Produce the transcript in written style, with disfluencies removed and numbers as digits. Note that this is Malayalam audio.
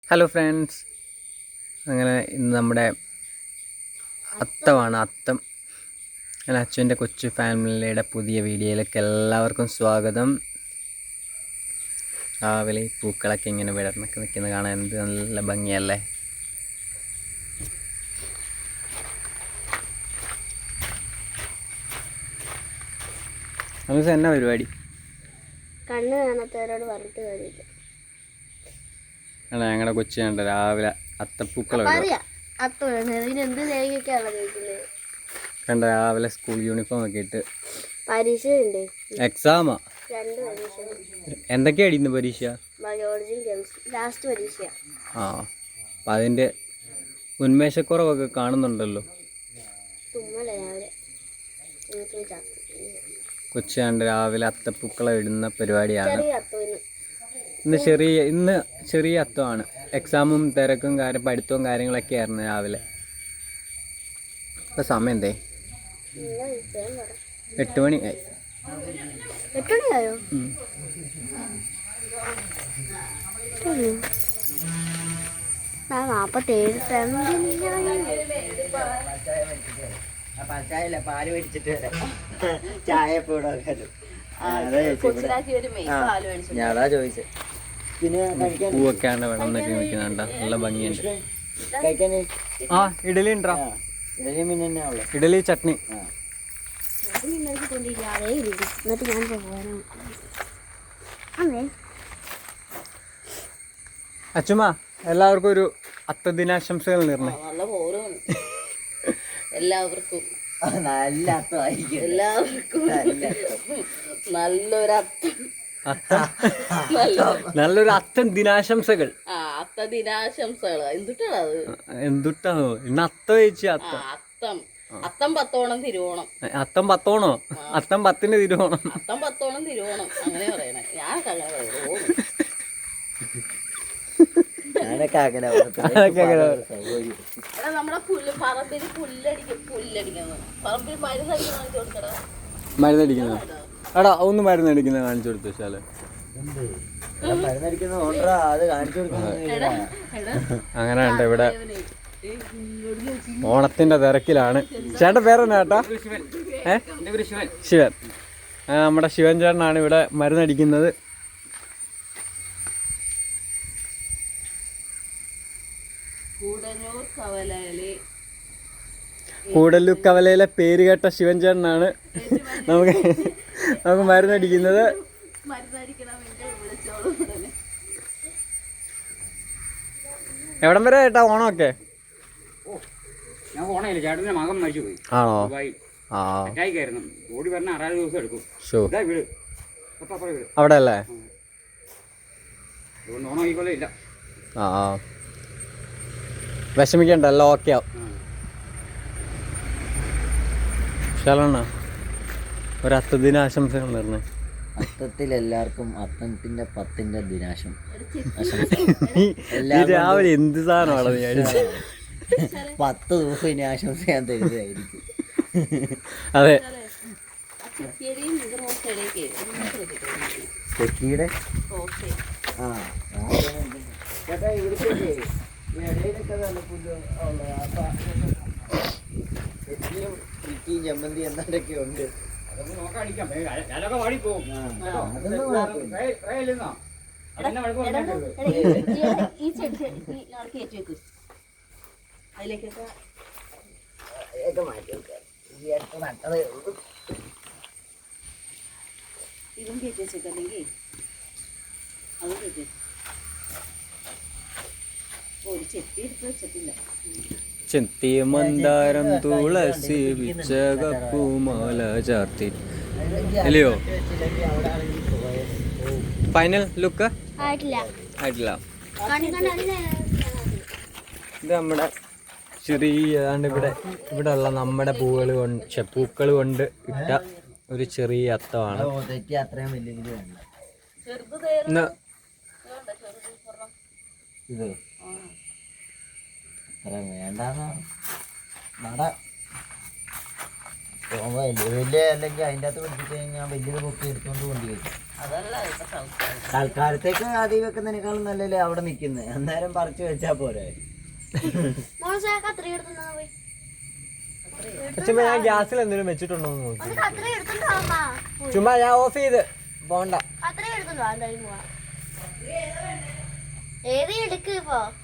ഹലോ ഫ്രണ്ട്സ്, അങ്ങനെ ഇന്ന് നമ്മുടെ അത്തമാണ്. അങ്ങനെ അച്ഛൻ്റെ കൊച്ചു ഫാമിലിയുടെ പുതിയ വീഡിയോയിലേക്ക് എല്ലാവർക്കും സ്വാഗതം. രാവിലെ പൂക്കളൊക്കെ ഇങ്ങനെ വിടർന്നൊക്കെ നിൽക്കുന്നത് കാണാൻ എന്ത് നല്ല ഭംഗിയല്ലേ. നമുക്ക് എന്നാ പരിപാടി? കണ്ണ് കാണാത്തവരോട് പറഞ്ഞിട്ട് കാര്യമില്ല. ഞങ്ങളുടെ കൊച്ചു കണ്ട രാവിലെ അത്തപ്പൂക്കൾ കണ്ട രാവിലെ സ്കൂൾ യൂണിഫോം ഒക്കെ ഇട്ട് പരീക്ഷയുണ്ട്. എക്സാമാ? 2 പരീക്ഷ. എന്തൊക്കെയാ അടിയുന്ന പരീക്ഷ? ബയോളജിയും കെമിസ്ട്രി ലാസ്റ്റ് പരീക്ഷ. അപ്പം അതിൻ്റെ ഉന്മേഷക്കുറവൊക്കെ കാണുന്നുണ്ടല്ലോ. കൊച്ചാണ്ട് രാവിലെ അത്തപ്പൂക്കളം ഇടുന്ന പരിപാടിയാണ്. ഇന്ന് ചെറിയ അത്തമാണ്. എക്സാമും തിരക്കും പഠിത്തവും കാര്യങ്ങളൊക്കെ ആയിരുന്നു രാവിലെ. ഇപ്പം സമയം എന്തേ? 8 മണി ആയി. 8 മണിയായോ? പാല് മേടിച്ചിട്ട് ചായ ഞാനാ ചോദിച്ചത്. പിന്നെ പൂവൊക്കെയാണ് വെള്ളം എന്നൊക്കെ നിൽക്കുന്നുണ്ട്. നല്ല ഭംഗിയുണ്ട്. ഇഡലി ഉണ്ടോ? ഇഡലി മീൻ തന്നെ ഉള്ളു. ഇഡലി ചട്നി. അച്ചുമ്മ, എല്ലാവർക്കും ഒരു അത്തദിനാശംസകൾ നേർന്നേ. നല്ല പോരാണ് എല്ലാവർക്കും. നല്ല അത്തമായിരിക്കും. എല്ലാവർക്കും നല്ലൊരു അത്തം ദിനാശംസകൾ. അത്ത ദിനാശംസകൾ. എന്തുട്ടാണോ ഇന്ന് അത്ത വെച്ച്? അത്തം 10 തിരുവോണം. അത്തം 10 അത്തം 10 തിരുവോണം. അത്തം 10 തിരുവോണം അങ്ങനെ പറയണേ. ഞാനൊക്കെ അങ്ങനെ പറയുള്ളൂ. നമ്മുടെ പറമ്പിൽ പറമ്പിൽ മരുന്നടിക്കുന്നത്. എടാ ഒന്ന് മരുന്നടിക്കുന്നത് കാണിച്ചു കൊടുത്തു വെച്ചാല്. അങ്ങനെ ഉണ്ട്. ഇവിടെ ഓണത്തിന്റെ തിരക്കിലാണ്. ചേട്ടൻ പേരെന്നാ ചേട്ടാ? ശിവൻ. നമ്മുടെ ശിവൻ ചേട്ടനാണ് ഇവിടെ മരുന്നടിക്കുന്നത്. കൂടല്ലൂക്കവലയിലെ പേര് കേട്ട ശിവൻ ചേട്ടനാണ് നമുക്ക് മരുന്നടിക്കുന്നത്. എവിടം വരെ ചേട്ടാ ഓണമൊക്കെ? ആണോ? അവിടെ അല്ലേ? വിഷമിക്കണ്ട, എല്ലാം ഓക്കെ ആവും. ഒരു അത്തദിനാശംസകൾ നേർന്നേ. അത്തത്തിൽ എല്ലാവർക്കും അത്തത്തിന്റെ 10ന്റെ ദിനാശം. രാവിലെ എന്ത് സാധനമാണ് ഞാൻ 10 ദിവസം ഇനി ആശംസ ഞാൻ തരുന്നതായിരിക്കും. അതെ. ചെക്കിയുടെ ചേട്ടാ ഇവിടുത്തെ ഇടയിലൊക്കെ നല്ല പുല്ല് ചെക്കിയും ചമ്മന്തി എന്നൊക്കെ ഉണ്ട്. ഇതും കയറ്റി വെച്ചേക്കല്ലെങ്കിൽ അതും കയറ്റി ഒരു ചെത്തി എടുത്ത് വെച്ചിട്ടില്ല. ചെത്തി മന്ദാരം തുളസി വിച്ചകപ്പൂമാല ചാർത്തി. അല്ലയോ? ഫൈനൽ ലുക്ക് ആയിട്ടില്ല. ഇത് നമ്മുടെ ചെറിയ ഇവിടെ ഉള്ള നമ്മുടെ പൂക്കൾ കൊണ്ട് ഇട്ട ഒരു ചെറിയ അത്തമാണ്. ഇത് വേണ്ടെന്നാണ് വലിയ അല്ലെങ്കിൽ അതിൻ്റെ അകത്ത് പിടിപ്പിച്ച് കഴിഞ്ഞാൽ വലിയത് പൊക്കി എടുത്തുകൊണ്ട് കൊണ്ടുവരും. അതല്ല ഇപ്പൊ സംസ്കാരം. തൽക്കാലത്തേക്ക് ആദ്യം വെക്കുന്നതിനേക്കാളും നല്ലല്ലേ അവിടെ നിക്കുന്നത്, അന്നേരം പറിച്ചു വെച്ചാ പോരെ. മോളെ കത്രി എടുത്തുണ്ടോ പോയി? ചുമ്മാ ഞാൻ ഗ്യാസിൽ എന്തെങ്കിലും വെച്ചിട്ടുണ്ടോ എന്ന് നോക്കി. ഒന്ന് കത്രി എടുത്തുണ്ടോ? ചുമ്മാ ഞാൻ ഓഫ് ചെയ്ത് പോണ്ട. കത്രി എടുത്തുണ്ടോ? എന്തായാലും പോവാ. ഏത് എടുക്ക് ഇപ്പൊ